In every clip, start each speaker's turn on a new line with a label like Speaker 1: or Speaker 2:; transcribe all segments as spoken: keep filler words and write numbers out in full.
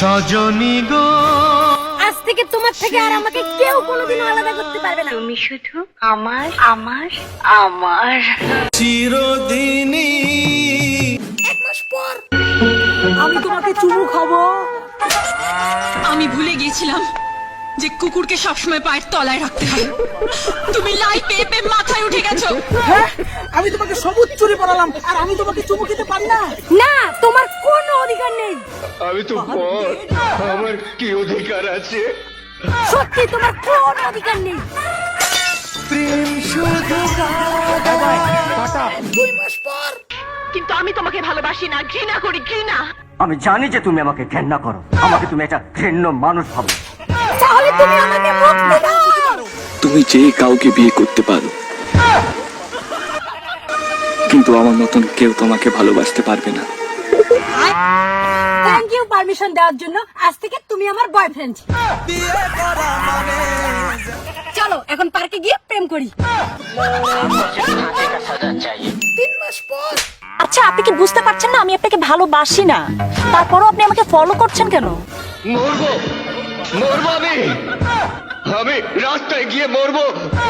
Speaker 1: সজনী গো,
Speaker 2: আজ থেকে তোমার থেকে আর আমাকে কেউ কোনোদিনও আলাদা করতে পারবে না।
Speaker 3: তুমি শুধু আমার আমার আমার
Speaker 1: চিরদিনই।
Speaker 2: এক মাস পর আমি তোমাকে চুমু খাবো।
Speaker 4: আমি ভুলে গিয়েছিলাম যে কুকুরকে সবসময় পায়ের তলায় রাখতে হয়। তুমি লাই পেয়ে পেয়ে মাথায় উঠে গেছো।
Speaker 5: হ্যাঁ, আমি তোমাকে সবুজ চুরি পড়ালাম আর আমি তোমাকে চুমু খেতে পারি না?
Speaker 2: না, তোমার কোনো অধিকার নেই।
Speaker 6: আমি তো পর, আমার কি অধিকার আছে?
Speaker 2: সত্যি তোমার কোনো অধিকার নেই।
Speaker 1: প্রেম শুধু
Speaker 5: দুই মাস পর
Speaker 4: কিন্তু আমি তোমাকে ভালোবাসি না, ঘৃণা করি, ঘৃণা।
Speaker 7: আমি জানি যে তুমি আমাকে ঘেন্না করো, আমাকে তুমি একটা ঘৃণ্য মানুষ ভাবো।
Speaker 2: তাহলে তুমি আমাকে মুক্তি দাও।
Speaker 8: তুমি যে কাউকে বিয়ে করতে পারো, কিন্তু আমার মতন কেউ তোমাকে ভালোবাসতে পারবে না।
Speaker 2: থ্যাংক ইউ পারমিশন দেওয়ার জন্য। আজ থেকে তুমি আমার বয়ফ্রেন্ড। চলো এখন পার্কে গিয়ে প্রেম করি।
Speaker 5: তিন মাস পর
Speaker 9: আচ্ছা, আপনি কি বুঝতে পারছেন না আমি আপনাকে ভালোবাসি না? তারপরও আপনি আমাকে ফলো করছেন কেন?
Speaker 6: মরবো, মরবো আমি, আমি রাস্তায় গিয়ে মরবো।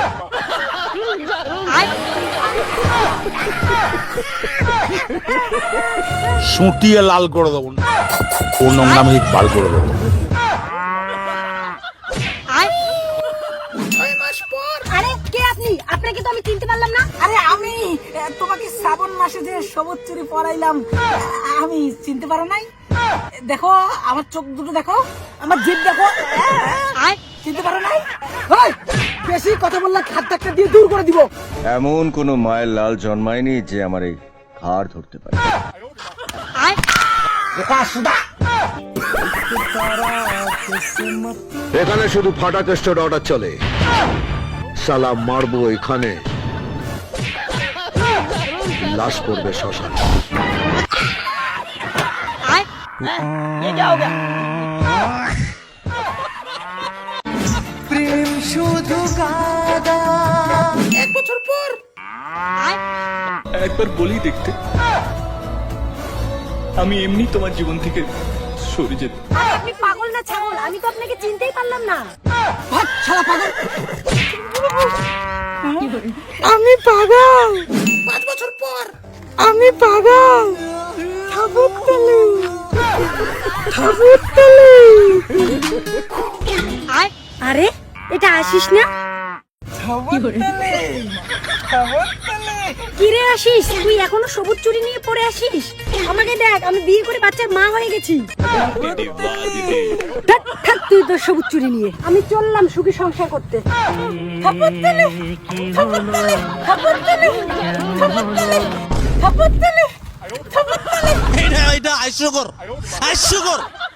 Speaker 10: সুটিয়ে লাল করে দেবো, ও নোংরামি বার করে দেবো।
Speaker 5: ছয় মাস পর
Speaker 2: আরে কে আপনি? আপনাকে তো আমি চিনতে পারলাম না।
Speaker 5: আরে আমি আহ, তোমাকে শ্রাবণ মাসে যে সবুজ চুরি পরাইলাম, আহ, আমি চিনতে পারো নাই? দেখো আমার চোখ দুটো, দেখো আমার জিভ, দেখো। আয়, চিনতে পারো নাই? ওই, বেশি কথা বললে হাত ধাক্কা দিয়ে দূর করে দিব।
Speaker 6: এমন কোন মায়ের লাল জন্মায়নি যে আমার এই ঘাড় ধরতে পারে।
Speaker 10: এখানে শুধু ফাটা চেষ্টার অর্ডার চলে, সালা মারবো এখানে, লাশ পড়বে শ্মশান।
Speaker 1: প্রেম শুধু কাদা।
Speaker 5: এক বছর পর
Speaker 8: একবার বলি দেখতে, আমি এমনি তোমার জীবন থেকে সরে যেতে।
Speaker 2: আরে আপনি পাগল না ছাগল? আমি তো আপনাকে চিনতেই পারলাম না।
Speaker 5: ভাগ, শালা পাগল। আমি পাগল। পাঁচ বছর পর আমি পাগল। ঠাকুরতলি, ঠাকুরতলি।
Speaker 2: আরে এটা আসিস না? কিরে আসিস, তুই এখনো সবুজ চুরি নিয়ে পড়ে আসিস? আমাকে দেখ, আমি বিয়ে করে বাচ্চার মা হয়ে গেছি। ধ্যাৎ, থাক তুই তোর সবুজ চুরি নিয়ে। আমি চললাম সুখী সংসার করতে। ঠাকুরতলি, ঠাকুরতলি, ঠাকুরতলি, ঠাকুরতলি, ঠাকুরতলি, ঠাকুরতলি।
Speaker 1: এটা এটা হাস্যকর, হাস্যকর।